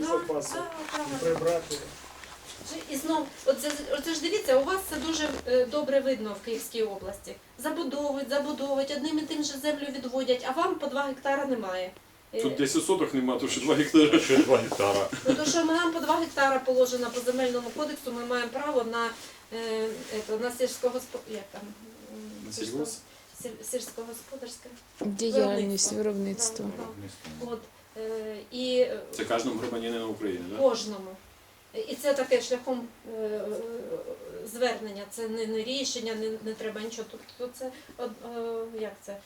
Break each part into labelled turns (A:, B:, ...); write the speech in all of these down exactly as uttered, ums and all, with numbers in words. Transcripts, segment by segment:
A: запасу
B: да,
A: і
B: да.
A: прибрати.
B: І знов, оце, оце ж дивіться, у вас це дуже е, добре видно в Київській області. Забудовують, забудовують, одним і тим же землю відводять, а вам по два гектара немає. Е,
C: Тут десять соток нема, то що два гектари.
D: Ще два гектара.
B: Ну, то, що нам по два гектара положено по земельному кодексу, ми маємо право на, е, ето, на сільськогоспо... як там? М,
C: На сільгосп?
B: сіль- Сільськогосподарське.
E: Діяльність, виробництво.
B: Да, да. От, е, і е,
C: Це кожному громадянину України, так?
B: кожному. І це таке шляхом е, е, звернення, це не, не рішення, не, не треба нічого. Тобто це, од- е, як це?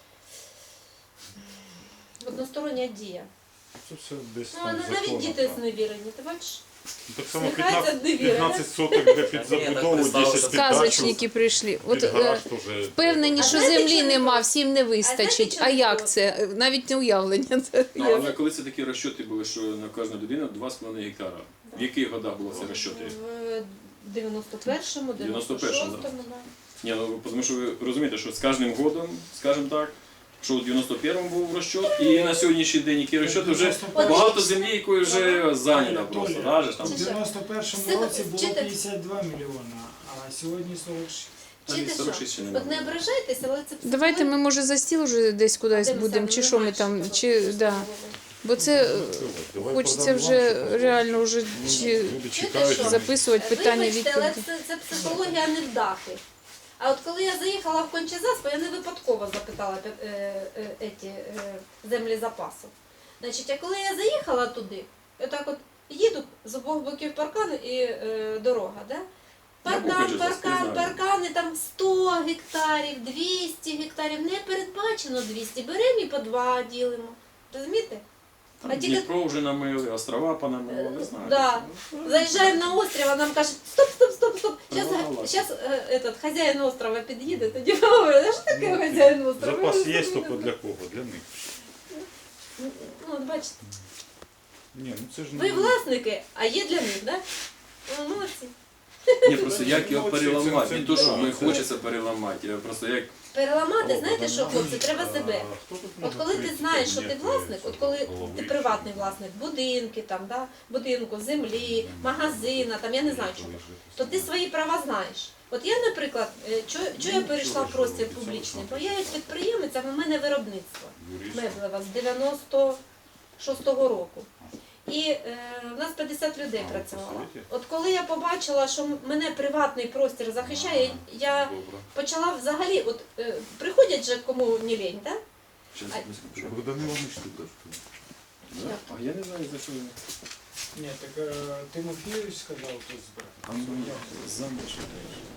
B: Одностороння дія.
D: Це все десь
B: Ну,
D: там
B: а навіть
D: законом,
B: діти
D: так.
B: зневірені, ти бачиш?
D: Так само
B: Сміхається
D: п'ятнадцять,
B: невіра,
D: п'ятнадцять соток де під
F: Ні,
D: забудову,
F: так представили,
D: десять під дачу,
E: Сказочники прийшли. От
D: під
E: е,
D: гараж теж.
E: впевнені,
B: А
E: що
B: знаєте,
E: землі
B: чому
E: нема,
B: не
E: всім не вистачить.
B: чому
E: А
B: не
E: як
B: було?
E: це? Навіть не уявлення. Це
C: Ну,
E: є.
C: але коли це такі розчоти були, що на кожну людину два з половиною гектара. В яких годах було це розчоти?
B: В дев'яносто першому, дев'яносто
C: дев'яносто першому,
B: шостому, да.
C: Ні, ну тому що ви розумієте, що з кожним годом, скажімо так, що в дев'яносто першому був розчот, і на сьогоднішній день які розчоти вже багато землі, якої вже зайнята просто. Да, же, там.
A: В дев'яносто першому
B: Це-
A: році було
B: вчитель-
A: п'ятдесят два мільйона, а сьогодні сорок шість.
C: Та
B: Вчите
C: ні, сорок шість
B: що?
C: ще
B: От не
C: немає.
B: ображайтеся, але це
E: Давайте ми, може, за стіл вже десь кудись будемо, чи що ми там, чи, да. Бо це е,
D: Давай
E: хочеться
D: продам
E: вже
D: вам, що
E: реально вже чи
D: люди чекають.
B: що?
E: записувати питання,
B: Вибачте, але
E: відповіді.
B: це, це психологія невдахи. А от коли я заїхала в Кончезаспа, я не випадково запитала е, е, еті, е, землі запасу. Значить, а коли я заїхала туди, отак от їду з обох боків паркан і е, дорога, да? Паркан,
C: Кончезаспі,
B: паркан,
C: знаю.
B: паркани, там сто гектарів, двісті гектарів, не передбачено двісті, беремо і по два ділимо. Розумієте?
C: Там
B: А тільки-
C: Дніпро вже намили, острова понамили, не знаю.
B: Да. Заїжджаємо на острів, а нам кажуть, стоп, стоп, стоп, стоп. Зараз,
C: Ну, ладно.
B: зараз этот, хазяїн острова під'їде, тоді говорить, а що таке хазяїн острова?
D: Запас
B: Я
D: є,
B: не
D: тільки
B: знаю.
D: для кого? Для них.
B: Ну, от бачите,
D: Ні, ну це ж
B: ви власники, а є для них, так? Да? Ну, молодці.
C: Ні, просто як його
D: Ну, це-
C: переламати,
D: це-
C: не то, що
D: да,
C: ми
D: це-
C: хочеться переламати, а просто як
B: Переламати,
D: О,
B: знаєте що,
D: Богдан
B: хлопці, треба
D: Іванович,
B: себе.
D: а хто тут
B: От
D: може
B: коли ти
D: прийти,
B: знаєш, що ти
D: кабінет,
B: власник, от коли
D: голови,
B: ти
D: що
B: приватний
D: там?
B: власник будинки, там, да, будинку, землі, магазина, там, я не знаю чого, то ти свої права знаєш. От я, наприклад, чого я перейшла в простір публічний? Бо я як підприємець, а в мене виробництво меблева з дев'яносто шостого року. І е, в нас п'ятдесят людей
D: А, ви
B: працювало.
D: посилаєте?
B: От коли я побачила, що мене приватний простір захищає, я
D: Добре.
B: почала взагалі, от е, приходять же кому не лень, так?
C: Щас,
B: А-
C: одну секундочку.
D: Богдан Іванович тут.
C: Да? А я не знаю, за що він.
A: Ні, так е, Тимофійович сказав, хто збирає.
C: А ну, заміж.